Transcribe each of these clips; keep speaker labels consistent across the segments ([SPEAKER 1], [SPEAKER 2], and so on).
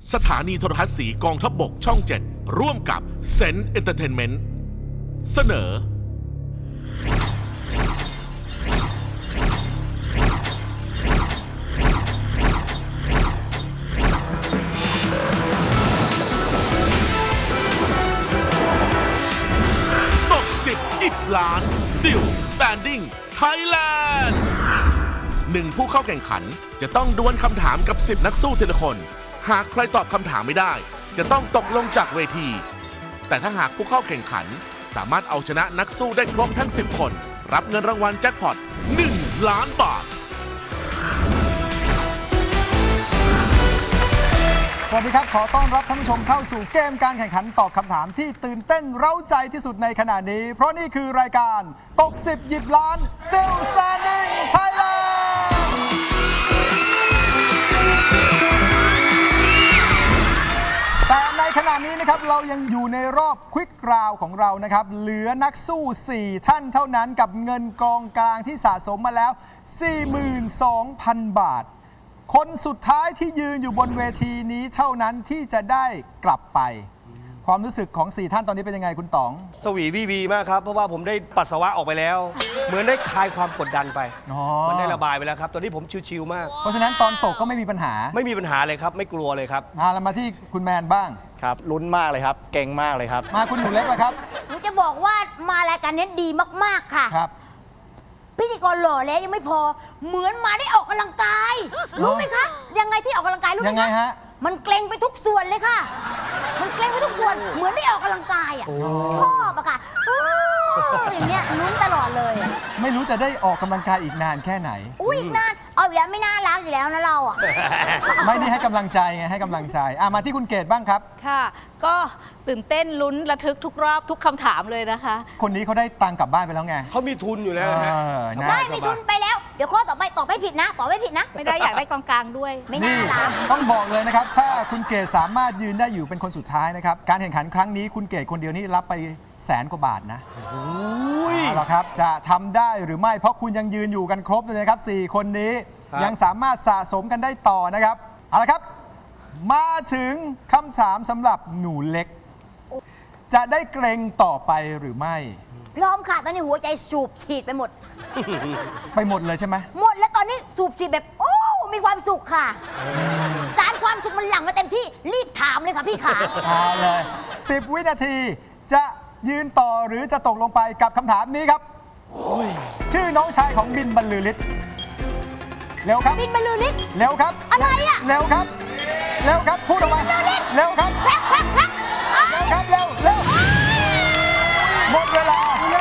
[SPEAKER 1] สถานีโทรทัศน์สีกองทัพบกช่อง 7 ร่วมกับเซนเอนเตอร์เทนเมนต์เสนอ ตก10 10 ล้าน Still Standing Thailand 1 ผู้เข้าแข่งขันจะต้องดวลคำถามกับ 10 นักสู้ทีละคน หากใครตอบคำถามไม่ได้ จะต้องตกลงจากเวที แต่ถ้าหากผู้เข้าแข่งขันสามารถเอาชนะนักสู้ได้ครบทั้ง 10 คน รับเงินรางวัลแจ็คพอต 1 ล้านบาท
[SPEAKER 2] สวัสดีครับ ขอต้อนรับท่านผู้ชมเข้าสู่เกมการแข่งขันตอบคำถามที่ตื่นเต้นเร้าใจที่สุดในขณะนี้ เพราะนี่คือรายการตก10 หยิบล้าน Still Standing Thailand แต่ในขณะนี้นะครับเรายังอยู่ในรอบควิกราวของเรานะครับเหลือนักสู้ 4 ท่านเท่านั้นกับเงินกองกลางที่สะสมมาแล้ว 42,000 บาท คนสุดท้ายที่ยืนอยู่บนเวทีนี้เท่านั้นที่จะได้กลับไป ความรู้สึกของ 4 ท่านตอนนี้เป็นยังไงคุณต๋อง
[SPEAKER 3] สวีวีวีมากครับ เพราะว่าผมได้ปัสสาวะออกไปแล้ว เหมือนได้คลายความกดดันไป มันได้ระบายไปแล้วครับ ตอนนี้ผมชิวๆมาก
[SPEAKER 2] เพราะฉะนั้นตอนตกก็ไม่มีปัญหา
[SPEAKER 3] ไม่มีปัญหาเลยครับ ไม่กลัวเลยครับ
[SPEAKER 2] เรามาที่คุณแมนบ้าง
[SPEAKER 4] ครับลุ้นมากเลยครับ เก่งมากเลยครับ
[SPEAKER 2] มาคุณหนูเล็กละครับ
[SPEAKER 5] หนูจะบอกว่ามารายการนี้ดีมากๆค่ะ
[SPEAKER 2] ครับ
[SPEAKER 5] พิธีกรหล่อแล้วยังไม่พอ เหมือนมาได้ออกกำลังกาย รู้ไหมคะ ยังไงที่ออกกำลังกายรู้ไหม
[SPEAKER 2] ยังไงฮะ
[SPEAKER 5] มันเกรงไปทุกส่วนเลยค่ะ มันเกรงไปทุกส่วน เหมือนได้ออกกำลังกายอ่ะชอบอะค่ะอย่างเงี้ยลุ้นตลอดเลยอะ
[SPEAKER 2] ไม่รู้จะได้ออกกำลังกายอีกนานแค่ไหน
[SPEAKER 5] อุ้ยอีกนานเอาอย่างไม่น่ารักอยู่แล้วนะเราอ่ะ
[SPEAKER 2] ไม่นี่ให้กำลังใจไงให้กำลังใจมาที่คุณเกดบ้างครับ
[SPEAKER 6] ค่ะ ก็ตื่นเต้นลุ้นระทึกทุกรอบทุกคำถามเลยนะคะ
[SPEAKER 2] คนนี้เขาได้ตังค์กลับบ้านไปแล้วไง
[SPEAKER 3] เขามีทุนอยู่แล้วนะฮะ
[SPEAKER 2] นะ
[SPEAKER 5] ได้มีทุนไปแล้ว เดี๋ยวข้อต่อไปตอบไม่ผิดนะตอบไม่ผิดนะ
[SPEAKER 6] ไม่ได้อยากได้กองกลางด้วย
[SPEAKER 5] ไม่
[SPEAKER 2] นี่
[SPEAKER 5] น่ารัก
[SPEAKER 2] ต้องบอกเลยนะครับ ถ้าคุณเกดสามารถยืนได้อยู่เป็นคนสุดท้ายนะครับ การแข่งขันครั้งนี้คุณเกดคนเดียวนี่รับไป100,000 กว่าบาทนะเอาละครับจะทำได้หรือไม่เพราะคุณยังยืนอยู่กันครบเลยนะครับ 4 คนนี้
[SPEAKER 3] ครับ
[SPEAKER 2] ยังสามารถสะสมกันได้ต่อนะครับเอาละครับ มาถึงคำถามสำหรับหนูเล็ก จะได้เกรงต่อไปหรือไม่
[SPEAKER 5] พร้อมค่ะตอนนี้หัวใจสูบฉีดไปหมด
[SPEAKER 2] ไปหมดเลยใช่ไหม
[SPEAKER 5] หมดแล้วตอนนี้สูบฉีดแบบโอ้มีความสุขค่ะ สารความสุขมันหลั่งมาเต็มที่รีบถามเลยค่ะพี่ขา
[SPEAKER 2] เอาเลย10 วินาทีจะยืนต่อหรือจะตกลงไปกับคำถามนี้ครับชื่อน้องชายของบินบรรลือฤทธิ์เร็วครับ
[SPEAKER 5] บินบรรลือฤทธิ์
[SPEAKER 2] เร็วครับ
[SPEAKER 5] อะไรอะ
[SPEAKER 2] เร็วครับ เร็วครับ พูดออกมา เร็วครับ
[SPEAKER 5] แพ็คแพ็คแพ็คอ้าว
[SPEAKER 2] เร็วครับ เร็ว เร็ว หมดเวลา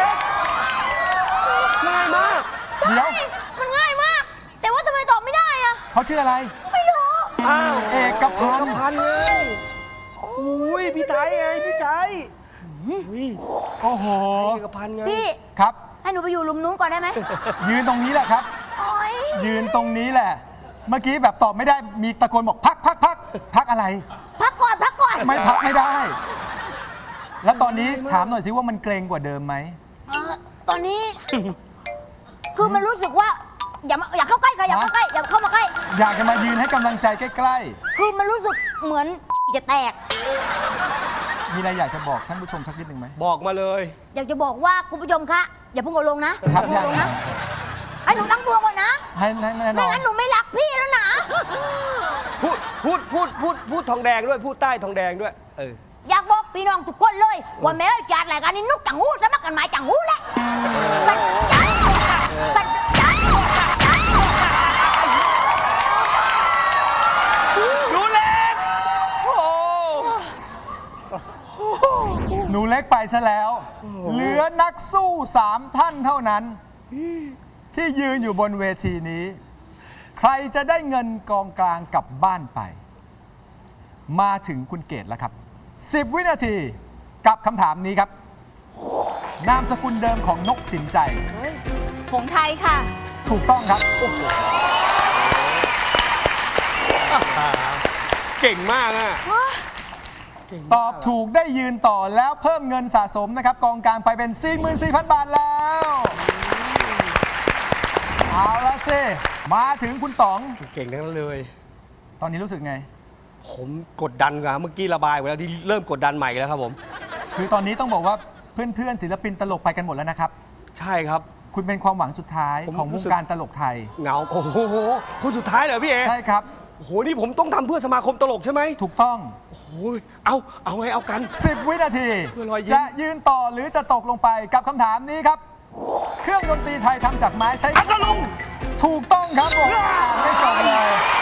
[SPEAKER 3] ง่ายมาก
[SPEAKER 2] เดี๋ยว
[SPEAKER 5] มันง่ายมาก แต่ว่าทำไมตอบไม่ได้อะ
[SPEAKER 2] เขาชื่ออะไร
[SPEAKER 5] ไม่รู้
[SPEAKER 3] อ้าว
[SPEAKER 2] เอกพันธ์
[SPEAKER 3] พันไงอุ้ยพี่ไทยไงพี่ไทยอุ้ย
[SPEAKER 2] โอ้โห
[SPEAKER 3] เอกพันธ์ไง
[SPEAKER 5] พี่
[SPEAKER 2] ครับ
[SPEAKER 5] ให้หนูไปอยู่หลุมนู้นก่อนได้ไหม
[SPEAKER 2] ยืนตรงนี้แหละครับ
[SPEAKER 5] โอ๊ย
[SPEAKER 2] ยืนตรงนี้แหละ เมื่อกี้แบบตอบไม่ได้ มีตะโกนบอกพักพักพักพักอะไร
[SPEAKER 5] พักก่อนพักก่อน
[SPEAKER 2] ไม่พักไม่ได้ แล้วตอนนี้ถามหน่อยสิว่ามันเกรงกว่าเดิมไหม
[SPEAKER 5] ตอนนี้ คือมันรู้สึกว่า อย่าเข้าใกล้ค่ะอย่าเข้าใกล้อย่าเข้ามาใกล้
[SPEAKER 2] อยากจะมายืนให้กำลังใจใกล้
[SPEAKER 5] คือมันรู้สึกเหมือนจะแตก
[SPEAKER 2] ๆ มีอะไรอยากจะบอกท่านผู้ชมสักนิดหนึ่งไหม
[SPEAKER 3] บอกมาเลย
[SPEAKER 5] อยากจะบอกว่าคุณผู้ชมคะอย่าเพุ่งเอาลงนะครับ อย่าเพุ่งเอาลงนะไอ้หนูตั้งตัวก่อนนะ
[SPEAKER 2] ให้แน่น
[SPEAKER 5] ไม่
[SPEAKER 2] อน
[SPEAKER 5] งั้นหนูไม่รักพี่แล้วนะ
[SPEAKER 3] พูดทองแดงด้วย พูดใต้ทองแดงด้วย
[SPEAKER 5] อยากบอกพี่น้องทุกคนเลย ว่าแม้จัดรายการนี้นุกจังหูสมัครกันหมายจังหูแหละปัดจ้าปัดจ้า
[SPEAKER 3] รู้เล็กโอ้
[SPEAKER 2] หนูเล็กไปซะแล้ว เหลือนักสู้ 3 ท่านเท่านั้น ที่ยืนอยู่บนเวทีนี้ ใครจะได้เงินกองกลางกลับบ้านไป มาถึงคุณเกตแล้วครับ 10 วินาทีกับคำถามนี้ครับ นามสกุลเดิมของนกสินใจ
[SPEAKER 6] ผงไทยค่ะ
[SPEAKER 2] ถูกต้องครับ
[SPEAKER 3] เก่งมากอ่ะ
[SPEAKER 2] ตอบถูกได้ยืนต่อแล้วเพิ่มเงินสะสมนะครับ กองกลางไปเป็น 44,000 บาทแล้ว เอาละสิมาถึงคุณต๋อง
[SPEAKER 3] เก่งทั้งนั้นเลย
[SPEAKER 2] ตอนนี้รู้สึกไง
[SPEAKER 3] ผมกดดันครับเมื่อกี้ระบายไปแล้วที่เริ่มกดดันใหม่แล้วครับผม
[SPEAKER 2] คือตอนนี้ต้องบอกว่าเพื่อนๆศิลปินตลกไปกันหมดแล้วนะครับ
[SPEAKER 3] ใช่ครับ
[SPEAKER 2] คุณเป็นความหวังสุดท้าย
[SPEAKER 3] ผม
[SPEAKER 2] ของ
[SPEAKER 3] รู้
[SPEAKER 2] วง
[SPEAKER 3] สึก
[SPEAKER 2] การตลกไทย
[SPEAKER 3] เหงาโอ้โหคนสุดท้ายเหรอพี่เอ
[SPEAKER 2] ใช่ครับ
[SPEAKER 3] โอ้โหนี่ผมต้องทำเพื่อสมาคมตลกใช่ไหม
[SPEAKER 2] ถูกต้อง
[SPEAKER 3] โอ้ยเอาไงเอากัน
[SPEAKER 2] 10 วินาที
[SPEAKER 3] เพื่อรอยยิ้ม
[SPEAKER 2] จะยืนต่อหรือจะตกลงไปกับคำถามนี้ครับ เครื่องดนตรีไทยทำจากไม้ใช้
[SPEAKER 3] พัทลุง
[SPEAKER 2] ถูกต้องครับผมอ่านไม่จบเลย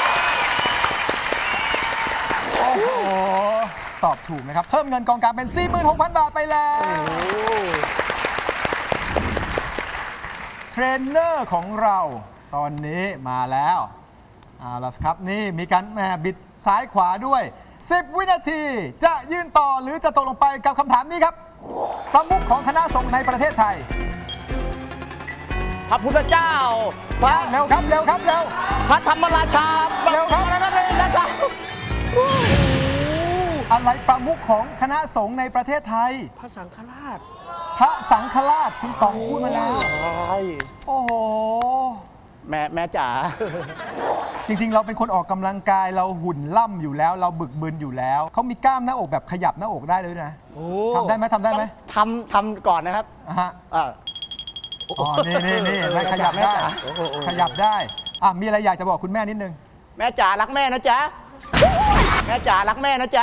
[SPEAKER 2] โอ้โห ตอบถูกนะครับ เพิ่มเงินกองกลางเป็น 46,000 บาทไปแล้ว เทรนเนอร์ของเราตอนนี้มาแล้วเอาล่ะครับนี่มีการแหม่บิดซ้ายขวาด้วย 10 วินาทีจะยืนต่อหรือจะตกลงไปกับคำถามนี้ครับ ประมุขของคณะสงฆ์ในประเทศไทย
[SPEAKER 4] พระพุทธเจ้า พระ
[SPEAKER 2] เร็วครับเร็วครับเร็ว
[SPEAKER 4] พระธรรมราชา
[SPEAKER 2] เร็วครับ
[SPEAKER 4] อะไรนะราชา
[SPEAKER 2] อะไรประมุขของคณะสงฆ์ในประเทศไทย
[SPEAKER 3] พระสังฆราช
[SPEAKER 2] พระสังฆราชคุณต๋องพูดมาแล้ว โอ้โห
[SPEAKER 4] แม่จ๋า
[SPEAKER 2] จริงๆ เราเป็นคนออกกำลังกายเราหุ่นล่ำอยู่แล้ว เราบึกบึนอยู่แล้ว เขามีกล้ามหน้าอกแบบขยับหน้าอกได้เลยนะ
[SPEAKER 3] โอ้
[SPEAKER 2] ทำได้ไหมทำได้ไหม
[SPEAKER 4] ทำก่อนนะครับ
[SPEAKER 2] อ่ะฮะ
[SPEAKER 4] อ่า
[SPEAKER 2] อ๋อนี่ไม่ขยับได้ ขยับได้อ่ะมีอะไรอยากจะบอกคุณแม่นิดนึง
[SPEAKER 4] แม่จ๋ารักแม่นะจ๊ะ แม่จ๋ารักแม่นะจ๊ะ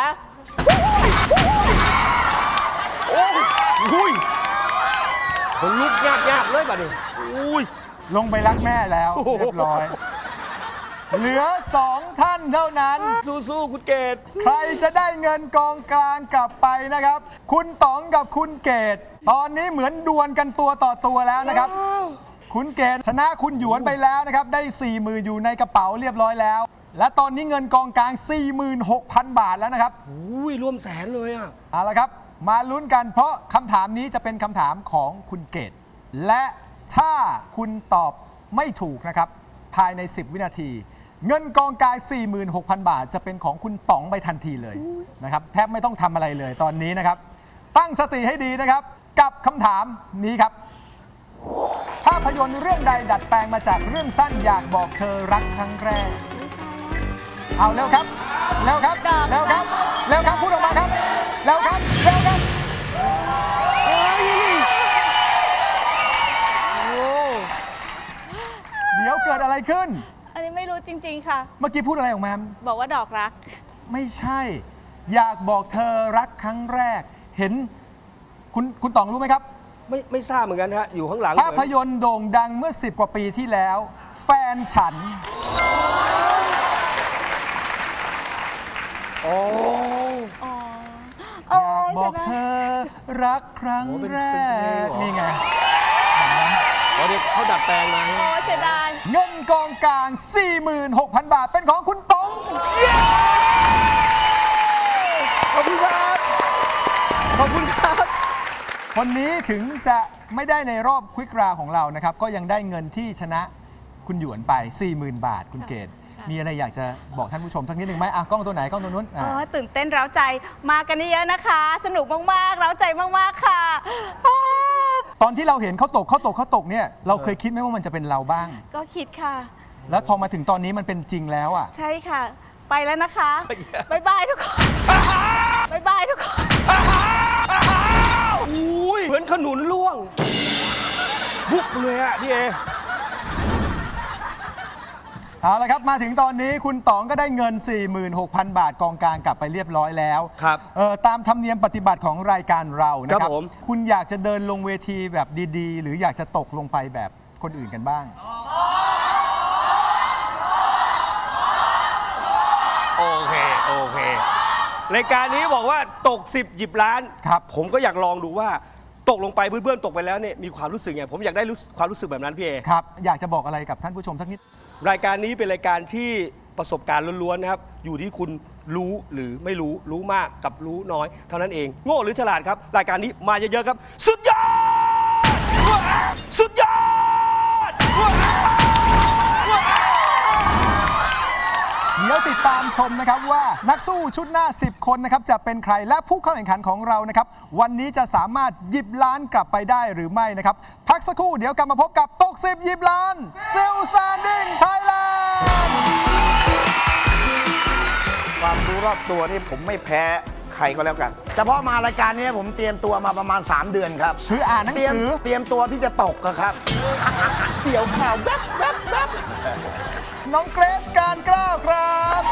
[SPEAKER 3] อุ้ยคนลุกยากเลยบัดนี้อุ้ย
[SPEAKER 2] ลงไปรักแม่แล้วเรียบร้อย เหลือ 2 ท่านเท่านั้น
[SPEAKER 3] สู้ๆคุณเกด
[SPEAKER 2] ใครจะได้เงินกองกลางกลับไปนะครับ คุณต๋องกับคุณเกดตอนนี้เหมือนดวลกันตัวต่อตัวแล้วนะครับ คุณเกดชนะคุณหยวนไปแล้วนะครับ ได้ 40,000อยู่ในกระเป๋าเรียบร้อยแล้ว และตอนนี้เงินกองกลาง 46,000 บาทแล้วนะครับ
[SPEAKER 3] อุ้ยร่วมแสนเลยอ่ะ
[SPEAKER 2] เอาละครับ มาลุ้นกันเพราะคำถามนี้จะเป็นคำถามของคุณเกดและถ้าคุณตอบไม่ถูกนะครับ ภายใน 10 วินาที เงินกองกลาง 46,000 บาท จะเป็นของคุณต๋องไปทันทีเลยนะครับแทบไม่ต้องทำอะไรเลยตอนนี้นะครับ ตั้งสติให้ดีนะครับ กับคำถามนี้ครับ ภาพยนตร์เรื่องใดดัดแปลงมาจากเรื่องสั้นอยากบอกเธอรักครั้งแรก เอาเร็วครับ เร็วครับ เร็วครับ เร็วครับ พูดออกมาครับ เร็วครับ เร็วครับ เดี๋ยวเกิดอะไรขึ้น
[SPEAKER 6] อันนี้ไม่รู้จริง ๆ ค่ะ
[SPEAKER 2] เมื่อกี้พูดอะไรออกมา
[SPEAKER 6] บอกว่าดอกรัก
[SPEAKER 2] ไม่ใช่ อยากบอกเธอรักครั้งแรก เห็นคุณต๋องรู้ไหมครับ
[SPEAKER 3] ไม่ทราบเหมือนกันฮะ อยู่ข้างหลัง
[SPEAKER 2] ภาพยนตร์โด่งดังเมื่อ 10 กว่าปีที่แล้ว แฟนฉัน
[SPEAKER 3] อ๋อ
[SPEAKER 6] อ๋อ
[SPEAKER 2] อยากบอกเธอรักครั้งแรก นี่ไง
[SPEAKER 3] อ๋อเด็กเขาดัดแปลงมา
[SPEAKER 6] โอ้เสียดาย
[SPEAKER 2] เงินกองกลาง 46,000 บาท เป็นของคุณต๋อง
[SPEAKER 3] ขอบคุณครับ ขอบคุณครับ
[SPEAKER 2] คนนี้ถึงจะไม่ได้ในรอบควิกราของเรานะครับ ก็ยังได้เงินที่ชนะคุณหยวนไป 40,000 บาท คุณเกดมีอะไรอยากจะบอกท่านผู้ชมสักนิดหนึ่งไหมอ่ะกล้องตัวไหนกล้องตัวนู้น
[SPEAKER 6] โอ้ตื่นเต้นเร้าใจ มากันเยอะๆนะคะ สนุกมากๆ เร้าใจมากๆ ค่ะอ้าว
[SPEAKER 2] ตอนที่เราเห็นเขาตกเนี่ยเราเคยคิดไหมว่ามันจะเป็นเราบ้าง
[SPEAKER 6] ก็คิดค่ะ
[SPEAKER 2] แล้วพอมาถึงตอนนี้มันเป็นจริงแล้วอ่ะ
[SPEAKER 6] ใช่ค่ะ ไปแล้วนะคะบ๊ายบายทุกคนบ๊ายบายทุกคน
[SPEAKER 3] อุ้ยเหมือนขนุนล่วง บุกเลยอะพี่เอ
[SPEAKER 2] เอาละครับมาถึงตอนนี้คุณต๋องก็ได้เงิน 46,000 บาทกองกลางกลับไปเรียบร้อยแล้ว
[SPEAKER 3] ครับ
[SPEAKER 2] ตามธรรมเนียมปฏิบัติของรายการเรานะค
[SPEAKER 3] ครั
[SPEAKER 2] รับบ
[SPEAKER 3] ผม
[SPEAKER 2] คุณอยากจะเดินลงเวทีแบบดีๆ หรืออยากจะตกลงไปแบบคนอื่นกันบ้าง
[SPEAKER 3] โอเค รายการนี้บอกว่าตก 10 หยิบล้าน
[SPEAKER 2] ครับ
[SPEAKER 3] ผมก็อยากลองดูว่าตกลงไปเพื่อนๆตกไปแล้วเนี่ยมีความรู้สึกไงผมอยากได้ความรู้สึกแบบนั้นพี่เอ
[SPEAKER 2] ครับอยากจะบอกอะไรกับท่านผู้ชมสักนิด
[SPEAKER 3] รายการนี้เป็นรายการที่ประสบการณ์ล้วนๆนะครับ อยู่ที่คุณรู้หรือไม่รู้ รู้มากกับรู้น้อย เท่านั้นเอง โง่หรือฉลาดครับ รายการนี้มาเยอะๆครับ สุดยอด สุดยอด
[SPEAKER 2] เดี๋ยวติดตามชมนะครับว่านักสู้ชุดหน้า 10 คนนะครับจะเป็นใครและผู้เข้าแข่งขันของเรานะครับวันนี้จะสามารถหยิบล้านกลับไปได้หรือไม่นะครับพักสักครู่เดี๋ยวกลับมาพบกับตก 10 หยิบล้านซิลสแตนดิ้งไทยแลนด์
[SPEAKER 4] ความรู้รอบตัวนี่ผมไม่แพ้ใครก็แล้วกัน
[SPEAKER 7] เฉพาะมารายการนี้ผมเตรียมตัวมาประมาณ 3 เดือนครับ
[SPEAKER 2] คืออ่านหนังสือ
[SPEAKER 7] เตรียมตัวที่จะตกอะครับ
[SPEAKER 4] เสี่ยวข่าวแวบแวบแวบ
[SPEAKER 2] น้องเกรซการกล้าวครับ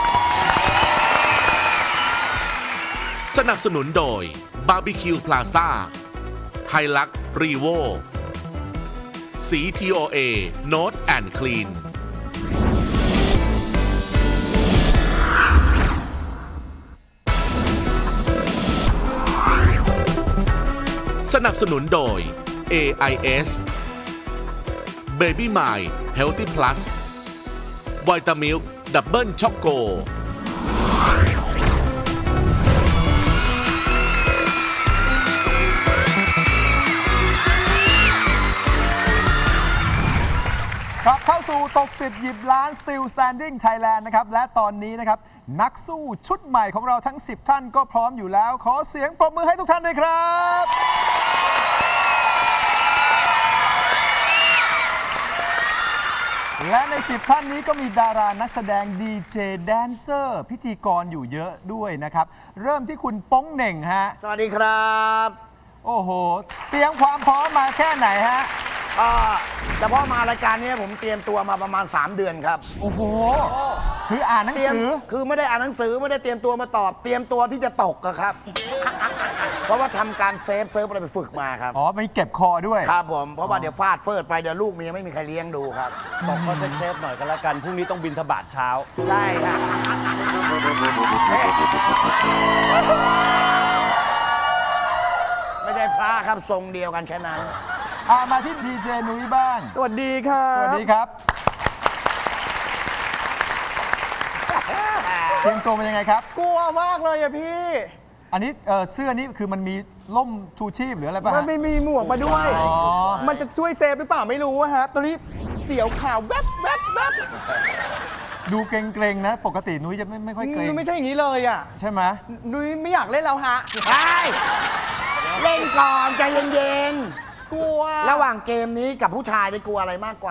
[SPEAKER 1] สนับสนุนโดย Barbecue Plaza ไฮลักรีโวสี TOA Note and Clean สนับสนุนโดย AIS Baby My Healthy Plus Vitamilk Double Choco
[SPEAKER 2] กลับเข้าสู่ตก 10 หยิบล้าน Still Standing Thailand นะครับ และตอนนี้นะครับ นักสู้ชุดใหม่ของเราทั้ง 10 ท่านก็พร้อมอยู่แล้ว ขอเสียงปรบมือให้ทุกท่านด้วยครับ และใน 10 ท่านนี้ก็มีดารานักแสดงดีเจแดนเซอร์พิธีกรอยู่เยอะด้วยนะครับ เริ่มที่คุณโป้งเหน่งฮะ
[SPEAKER 7] สวัสดีครับ
[SPEAKER 2] โอ้โห เตรียมความพร้อมมาแค่ไหนฮะ
[SPEAKER 7] เฉพาะมารายการนี้ผมเตรียมตัวมาประมาณ 3 เดือนครับ
[SPEAKER 2] โอ้โห คืออ่านหนัง
[SPEAKER 7] เตรียม
[SPEAKER 2] สือ
[SPEAKER 7] คือไม่ได้อ่านหนังสือไม่ได้เตรียมตัวมาตอบ เตรียมตัวที่จะตกอะครับ เพราะว่าทำการเซิร์ฟอะไรไปฝึกมาครับ
[SPEAKER 2] อ๋อมีเก็บคอด้วย
[SPEAKER 7] ครับผม เพราะว่าเดี๋ยวฟาดเฟิดไปเดี๋ยวลูกเมียไม่มีใครเลี้ยงดูครับ
[SPEAKER 3] ตกก็เซฟๆหน่อยก็แล้วกัน พรุ่งนี้ต้องบินทบาทเช้า
[SPEAKER 7] ใช่ครับไม่ใช่พระครับทรงเดียวกันแค่นั้น
[SPEAKER 2] มาที่ดีเจนุ้ยบ้าง
[SPEAKER 4] สวัสดีครับ
[SPEAKER 2] สวัสดีครับ เตรียมตัวเป็นยังไงครับ
[SPEAKER 4] กลัวมากเลยอะพี่
[SPEAKER 2] อันนี้เสื้อนี้คือมันมีล่มชูชีพหรืออะไรป่ะ
[SPEAKER 4] มัน
[SPEAKER 2] ฮะ
[SPEAKER 4] ไม่มีหมวกมาด้วย
[SPEAKER 2] อ๋อ
[SPEAKER 4] มันจะช่วยเซฟหรือเปล่าไม่รู้อะฮะ ตอนนี้เสียวข่าวแวบแวบแวบ
[SPEAKER 2] ดูเกรงๆนะ ปกตินุ้ยจะไม่ค่อยเกรง
[SPEAKER 4] นุ้ยไม่ใช่อย่างนี้เลยอะ
[SPEAKER 2] ใช่ไหม
[SPEAKER 4] นุ้ยไม่อยากเล่นแล้วฮะ
[SPEAKER 7] ใช่เล่นก่อนใจเย็น
[SPEAKER 4] กลัว
[SPEAKER 7] ๆ ระหว่างเกมนี้กับผู้ชายได้กลัวอะไรมากกว่า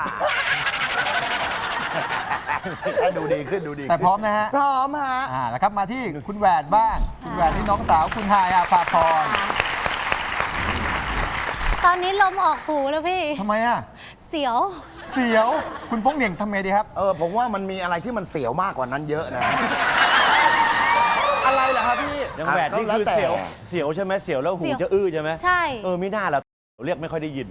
[SPEAKER 7] ดูดีขึ้นดูดี
[SPEAKER 2] แต่พร้อมนะฮะ
[SPEAKER 4] พร้อมฮะ
[SPEAKER 2] แล้วครับมาที่คุณแหวนบ้าง คุณแหวนที่น้องสาวคุณฮายอาภาพร
[SPEAKER 8] ตอนนี้ลมออกหูแล้วพี่
[SPEAKER 2] ทำไมอ่ะ
[SPEAKER 8] เสียว
[SPEAKER 2] เสียว คุณโป้งเหน่งทำไงดีครับ
[SPEAKER 7] ผมว่ามันมีอะไรที่มันเสียวมากกว่านั้นเยอะนะ
[SPEAKER 4] อะไรเหรอครับพี่
[SPEAKER 3] ยังแหวนนี่คือเสียวใช่ไหมเสียวแล้วหู
[SPEAKER 8] เสียว
[SPEAKER 3] จะอื้อใช่ไหม
[SPEAKER 8] ใช่
[SPEAKER 3] มิน่าละเรียกไม่ค่อยได้ยิน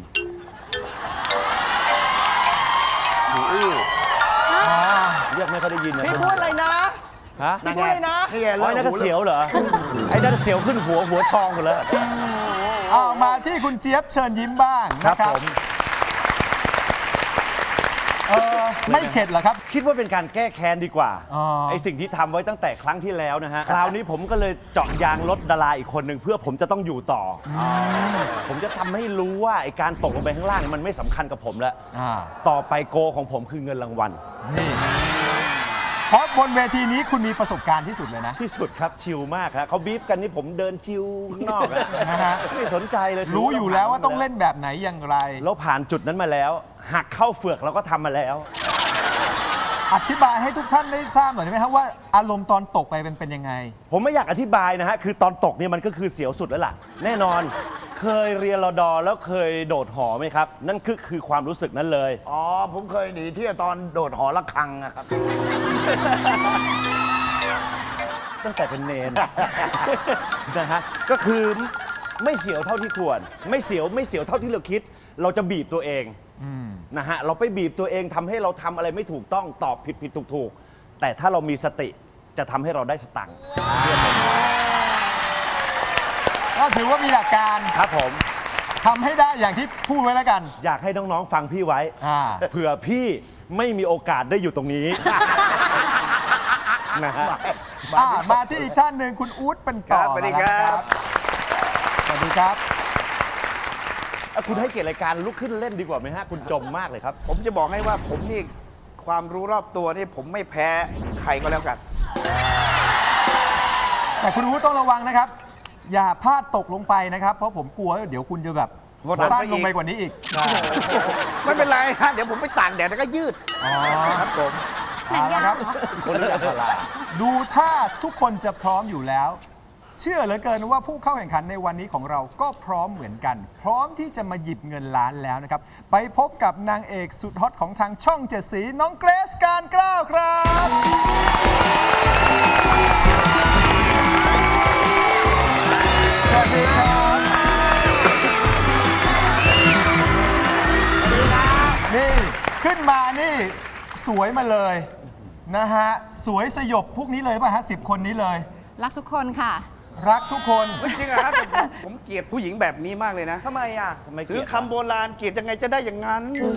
[SPEAKER 3] เรียกไม่ค่อยได้ยินนะ
[SPEAKER 4] พี่พูดอะไรนะ
[SPEAKER 3] ฮะ
[SPEAKER 4] พี่พูดเลยนะ
[SPEAKER 7] นี่ไง
[SPEAKER 3] ไอ้นั่นก็เสียวเหรอ ไอ้นั่นเสียวขึ้นหัวทองหมดแล้ว
[SPEAKER 2] มาที่คุณเจี๊ยบเชิญยิ้มบ้างนะครับ ไม่เข็ดเหรอครับ
[SPEAKER 3] คิดว่าเป็นการแก้แค้นดีกว่า
[SPEAKER 2] อ๋อ
[SPEAKER 3] ไอสิ่งที่ทำไว้ตั้งแต่ครั้งที่แล้วนะฮะ คราวนี้ผมก็เลยเจาะยางรถดาราอีกคนหนึ่งเพื่อผมจะต้องอยู่ต่ออผมจะทำให้รู้ว่าไอการตกลงไปข้างล่างเนี่ยมันไม่สำคัญกับผมแล้ว ต่อไปโกของผมคือเงินรางวัล
[SPEAKER 2] นี่เพราะบนเวทีนี้คุณมีประสบการณ์ที่สุดเลยนะ
[SPEAKER 3] ที่สุดครับชิลมากครับเขาบีบกันนี่ผมเดินชิลข้างนอกอะ
[SPEAKER 2] นะฮะ
[SPEAKER 3] ไม่สนใจเลย
[SPEAKER 2] รู้อยู่แล้วว่าต้องเล่นแบบไหนอย่างไร
[SPEAKER 3] เราผ่านจุดนั้นมาแล้ว หักเข้าเฟือกเราก็ทำมาแล้ว
[SPEAKER 2] อธิบายให้ทุกท่านได้ทราบหน่อยได้ไหมครับว่าอารมณ์ตอนตกไปเป็นยังไง
[SPEAKER 3] ผมไม่อยากอธิบายนะฮะ คือตอนตกเนี่ยมันก็คือเสียวสุดแล้วล่ะ แน่นอน เคยเรียนรอดอแล้วเคยโดดหอไหมครับ นั่นคือความรู้สึกนั้นเลย
[SPEAKER 7] อ๋อ ผมเคยหนีเที่ยวตอนโดดหอระฆังอะครับ
[SPEAKER 3] ตั้งแต่เป็นเนน นะฮะ ก็คือไม่เสียวเท่าที่ควร ไม่เสียวเท่าที่เราคิด เราจะบีบตัวเองนะฮะ เราไปบีบตัวเองทำให้เราทำอะไรไม่ถูกต้องตอบผิดถูก แต่ถ้าเรามีสติจะทำให้เราได้สตังค์
[SPEAKER 2] ก็ถือว่ามีหลักการ
[SPEAKER 3] ครับผม
[SPEAKER 2] ทำให้ได้อย่างที่พูดไว้แล้วกัน
[SPEAKER 3] อยากให้น้องๆฟังพี่ไว้ เผื่อพี่ไม่มีโอกาสได้อยู่ตรงนี้ นะฮะ
[SPEAKER 2] มาที่อีกท่านหนึ่งคุณอู๊ดเป็นต่อ
[SPEAKER 4] ครับสวัสดีครับ
[SPEAKER 2] สวัสดีครับ
[SPEAKER 3] คุณให้เกียรติรายการลุกขึ้นเล่นดีกว่าไหมฮะ คุณจมมากเลยครับ
[SPEAKER 4] ผมจะบอกให้ว่าผมนี่ความรู้รอบตัวนี่ผมไม่แพ้ใครก็แล้วกัน
[SPEAKER 2] แต่คุณอู๊ดต้องระวังนะครับ อย่าพลาดตกลงไปนะครับ เพราะผมกลัวว่าเดี๋ยวคุณจะแบบ
[SPEAKER 4] กดดัน
[SPEAKER 2] สั้น
[SPEAKER 4] ไปอีก
[SPEAKER 2] ลงไปกว่านี้อีก
[SPEAKER 4] ไม่เป็นไรฮะเดี๋ยวผมไปตากแดดแล้วก็ยืด
[SPEAKER 2] อ๋อ
[SPEAKER 4] ครับผม
[SPEAKER 8] หนังยาง
[SPEAKER 2] ครับ
[SPEAKER 8] เหรอ
[SPEAKER 7] คนละพลา
[SPEAKER 2] ดูถ้าทุกคนจะพร้อมอยู่แล้ว เชื่อเหลือเกินว่าผู้เข้าแข่งขันในวันนี้ของเราก็พร้อมเหมือนกัน พร้อมที่จะมาหยิบเงินล้านแล้วนะครับ ไปพบกับนางเอกสุดฮอตของทางช่องเจ็ดสีน้องเกรซการกล้าวครับ สวัสดีครับนี่ขึ้นมานี่สวยมาเลยนะฮะ สวยสยบพวกนี้เลยป่ะฮะ10 คนนี้เลย
[SPEAKER 6] รักทุกคนค่ะ
[SPEAKER 2] รักทุกคน
[SPEAKER 4] จริงเหรอครับผมเกลียดผู้หญิงแบบนี้มากเลยนะ
[SPEAKER 7] ทำไมอ่ะ
[SPEAKER 4] ถือคำโบราณเกลียดยังไงจะได้อย่างนั้น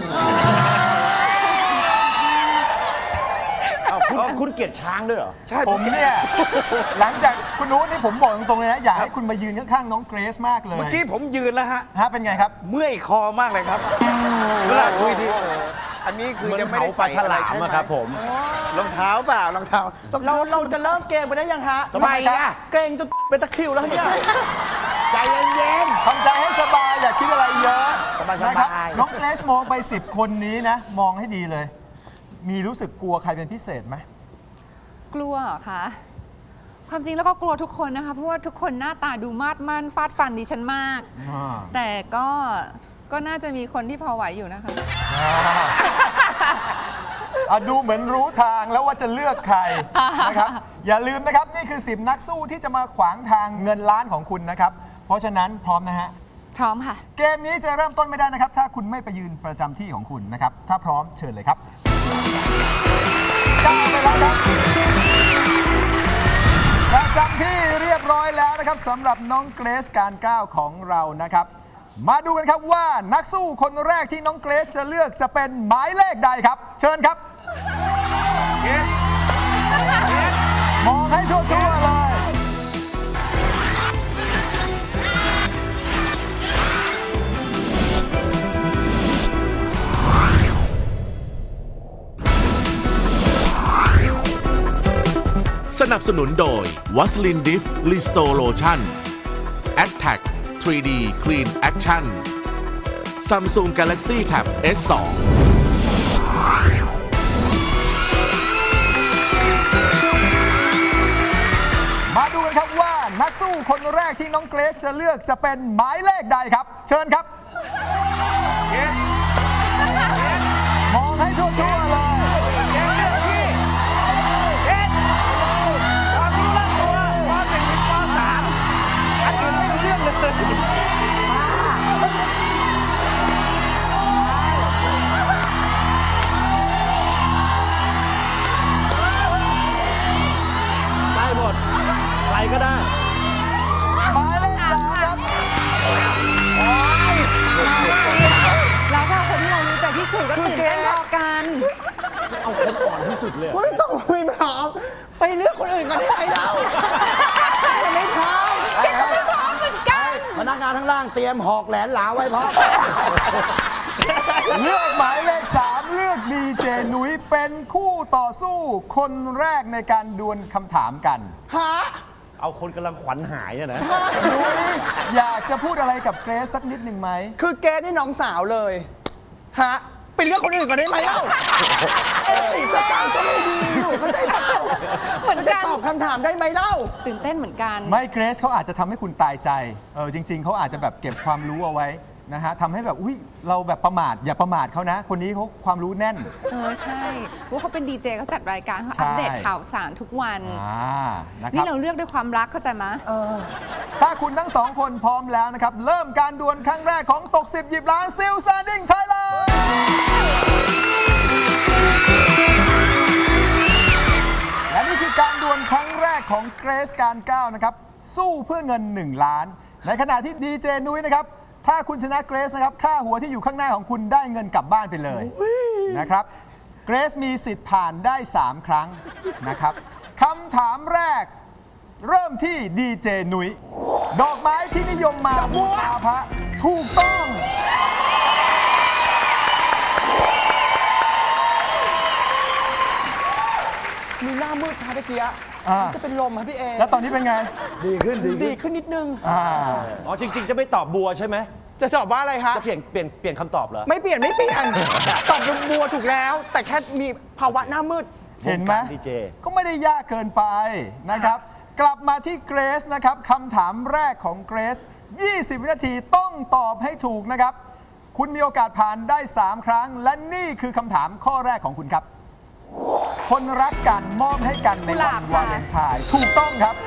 [SPEAKER 7] คุณเกลียดช้างด้วยเหรอ
[SPEAKER 4] ใช่
[SPEAKER 2] ผมเนี่ย หลังจากคุณนุ้นี่ผมบอกตรงๆเลยนะ อยากให้คุณมายืนข้างๆน้องเกรซมากเลย
[SPEAKER 4] เมื่อกี้ผมยืนแล้วฮะ
[SPEAKER 2] ฮะเป็นไงครับ
[SPEAKER 4] เมื่อยคอมากเลยครับเวลาคุยทีอันนี้คือยังไม่ได้ใส่อะไรใช่ไหมรองเท้าเปล่ารองเท้าเราจะเริ่มเกมไปได้ยังฮะ
[SPEAKER 7] ทำไมอ่ะ
[SPEAKER 4] เกรงจนเป็นตะคริวแล้วเนี่ย
[SPEAKER 7] ใจเย็น
[SPEAKER 2] ทำใจให้สบายอย่าคิดอะไรเยอะ
[SPEAKER 7] สบายๆ
[SPEAKER 2] นะครับน้องเกรซมองไป 10 คนนี้นะ มองให้ดีเลย มีรู้สึกกลัวใครเป็นพิเศษไหม
[SPEAKER 9] กลัวเหรอคะ ความจริงแล้วก็กลัวทุกคนนะคะ เพราะว่าทุกคนหน้าตาดูมาดมั่นฟาดฟันดิฉันมาก แต่ก็น่าจะมีคนที่พอไหวอยู่นะคะ
[SPEAKER 2] ดูเหมือนรู้ทางแล้วว่าจะเลือกใครนะครับ อย่าลืมนะครับ นี่คือ10นักสู้ที่จะมาขวางทางเงินล้านของคุณนะครับ เพราะฉะนั้นพร้อมนะฮะ
[SPEAKER 9] พร้อมค่ะ
[SPEAKER 2] เกมนี้จะเริ่มต้นไม่ได้นะครับ ถ้าคุณไม่ไปยืนประจำที่ของคุณนะครับ ถ้าพร้อมเชิญเลยครับก้าวไปแล้วครับประจำที่เรียบร้อยแล้วนะครับสำหรับน้องเกรซการก้าวของเรานะครับ มาดูกันครับว่านักสู้คนแรกที่น้องเกรซจะเลือกจะเป็นหมายเลขใดครับ เชิญครับ มองให้ทั่วๆเลย
[SPEAKER 1] สนับสนุนโดยวัสลินดิฟลิสโตโลชั่น Attack 3D Clean Action Samsung Galaxy Tab S2
[SPEAKER 2] มาดูกันครับว่านักสู้คนแรกที่น้องเกรซจะเลือกจะเป็นหมายเลขใดครับ เชิญครับ มองให้ทั่วๆเลย
[SPEAKER 4] ความรู้รอบตัวความเป็นป .3 อันอื่นไม่รู้เรื่องเลย
[SPEAKER 7] ได้หมด ใครก็ได้
[SPEAKER 2] หมายเลข3ครับ
[SPEAKER 9] แล้วถ้าคนที่เรารู้ใจที่สุดก็ตื่นเต้นพอกัน
[SPEAKER 4] ไม่ต้องคุยมาเอาไปเลือกคนอื่นกันได้ไหมเราจะไม่พร้อม
[SPEAKER 7] พนักงานทั้งล่างเตรียมหอกแหลนหลาไว้พร้อม
[SPEAKER 2] เลือกหมายเลข3เลือกดีเจหนุยเป็นคู่ต่อสู้คนแรกในการดวลคำถามกัน
[SPEAKER 4] ฮะ
[SPEAKER 7] เอาคนกำลังขวัญหายอะนะ
[SPEAKER 2] หนุยอยากจะพูดอะไรกับเกรซสักนิดหนึ่งไหม
[SPEAKER 4] คือแกนี่น้องสาวเลย ฮะ ไปเลือกคนอื่นกันได้ไหมเล่าติดสตางค์ก็ไม่ดีอยู่เข้าใจเปล่า
[SPEAKER 9] เหมือนกัน
[SPEAKER 4] จะตอบคำถามได้ไหมเล่า
[SPEAKER 9] ตื่นเต้นเหมือนกัน
[SPEAKER 2] ไม่เกรซเขาอาจจะทำให้คุณตายใจ จริง ๆ เขาอาจจะแบบเก็บความรู้เอาไว้นะฮะทำให้แบบอุ้ยเราแบบประมาทอย่าประมาทเขานะ คนนี้เขาความรู้แน่น
[SPEAKER 9] ใช่ว่าเขาเป็นดีเจเขาจัดรายการเขา
[SPEAKER 2] ใช่
[SPEAKER 9] อัปเดตข่าวสารทุกวัน
[SPEAKER 2] นะค
[SPEAKER 9] นี่
[SPEAKER 2] รับ
[SPEAKER 9] เราเลือกด้วยความรักเข้าใจไหม
[SPEAKER 2] ถ้าคุณทั้งสองคนพร้อมแล้วนะครับ เริ่มการดวลครั้งแรกของตก 10 หยิบล้านซิลซาดิ้งไทยแลนด์และนี่คือการดวลครั้งแรกของเกรซการก้าวนะครับ สู้เพื่อเงิน 1 ล้าน ในขณะที่ดีเจนุ้ยนะครับ ถ้าคุณชนะเกรซนะครับ ค่าหัวที่อยู่ข้างหน้าของคุณได้เงินกลับบ้านไปเลยนะครับ เกรซมีสิทธิ์ผ่านได้ 3 ครั้งนะครับคำถามแรก เริ่มที่ดีเจนุ้ยดอกไม้ที่นิยมมาบูชาพระถูกต้อง
[SPEAKER 4] มีหน้ามืดค่ะเมื่อกี้ จะเป็นลมครับพี่เอ
[SPEAKER 2] แล้วตอนนี้เป็นไง
[SPEAKER 7] ดีขึ้น
[SPEAKER 4] ดีขึ้นนิดนึง
[SPEAKER 7] อ๋อจริง ๆ จะไม่ตอบบัวใช่ไหม
[SPEAKER 4] จะตอบว่าอะไรฮะ
[SPEAKER 7] จะเปลี่ยนคำตอบเหรอ
[SPEAKER 4] ไม่เปลี่ยน ตอบบัวถูกแล้ว แต่แค่มีภาวะหน้ามืด
[SPEAKER 2] เห็นไหม
[SPEAKER 7] วงการดีเจ
[SPEAKER 2] ก็ไม่ได้ยากเกินไปนะครับ กลับมาที่เกรซนะครับคำถามแรกของเกรซ 20 วินาทีต้องตอบให้ถูกนะครับ คุณมีโอกาสผ่านได้ 3 ครั้ง และนี่คือคำถามข้อแรกของคุณครับ คนรักกันมอบให้กันในวันวาเลนไทน์ถูกต้องครับ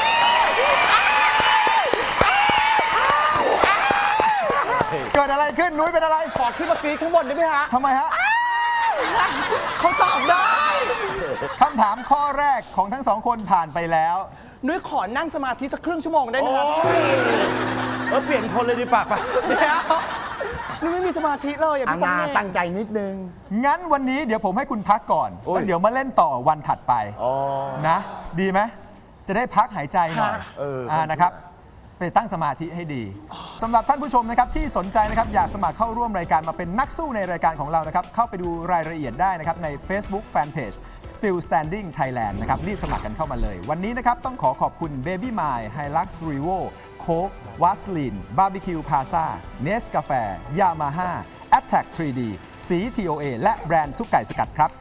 [SPEAKER 2] เกิดอะไรขึ้น นุ้ยเป็นอะไร
[SPEAKER 4] ขอขึ้นมากรี๊ดข้างบนได้ไหมฮะ
[SPEAKER 2] ทำไมฮะ
[SPEAKER 4] เขาตอบได้
[SPEAKER 2] คำถามข้อแรกของทั้งสองคนผ่านไปแล้ว
[SPEAKER 4] นุ้ยขอนั่งสมาธิสักครึ่งชั่วโมงได้ไหมครับ
[SPEAKER 7] เปลี่ยนคนเลยดีปากปะ
[SPEAKER 4] เดี๋ยวนุ้ยไม่มีสมาธิเลยอย่า
[SPEAKER 7] อา
[SPEAKER 4] พี่
[SPEAKER 7] นา
[SPEAKER 4] โป้ง
[SPEAKER 7] ตั้งใจนิดนึง
[SPEAKER 2] งั้นวันนี้เดี๋ยวผมให้คุณพักก่อน
[SPEAKER 7] โอ้ย
[SPEAKER 2] แล้วเดี๋ยวมาเล่นต่อวันถัดไป
[SPEAKER 7] อ๋อ
[SPEAKER 2] นะ ดีไหมจะได้พักหายใจหน่อย
[SPEAKER 7] เออ
[SPEAKER 2] นะครับไปตั้งสมาธิให้ดีสำหรับท่านผู้ชมนะครับที่สนใจนะครับอยากสมัครเข้าร่วมรายการมาเป็นนักสู้ในรายการของเรานะครับเข้าไปดูรายละเอียดได้นะครับใน Facebook Fanpage Still Standing Thailand นะครับรีบสมัครกันเข้ามาเลย วันนี้นะครับต้องขอบคุณ Baby My Hilux Revo Coke Vaseline Barbecue Plaza Nescafe Yamaha Attack 3D สี TOA และแบรนด์ซุปไก่สกัดครับ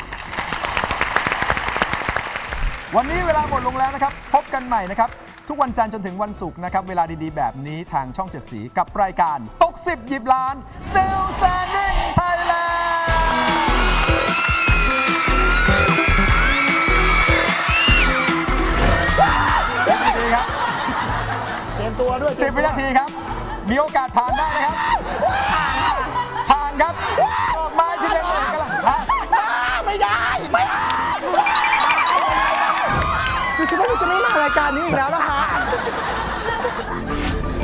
[SPEAKER 2] วันนี้เวลาหมดลงแล้วนะครับ พบกันใหม่นะครับ ทุกวันจันทร์จนถึงวันศุกร์นะครับ เวลาดีๆ แบบนี้ทางช่อง 7 สีกับรายการตก 10 หยิบล้าน Still Standing Thailand ดีครับ
[SPEAKER 7] เตรียมตัวด้วย
[SPEAKER 2] 10 วินาทีครับ มีโอกาสผ่านได้ไหมครับ ผ่านครับดอกไม้ที่เป็นเอกลักษณ์ฮะ
[SPEAKER 4] ไม่ได้ ไม่ได้คือคิดว่านุ้ยจะไม่มารายการนี้อีกแล้วนะคะ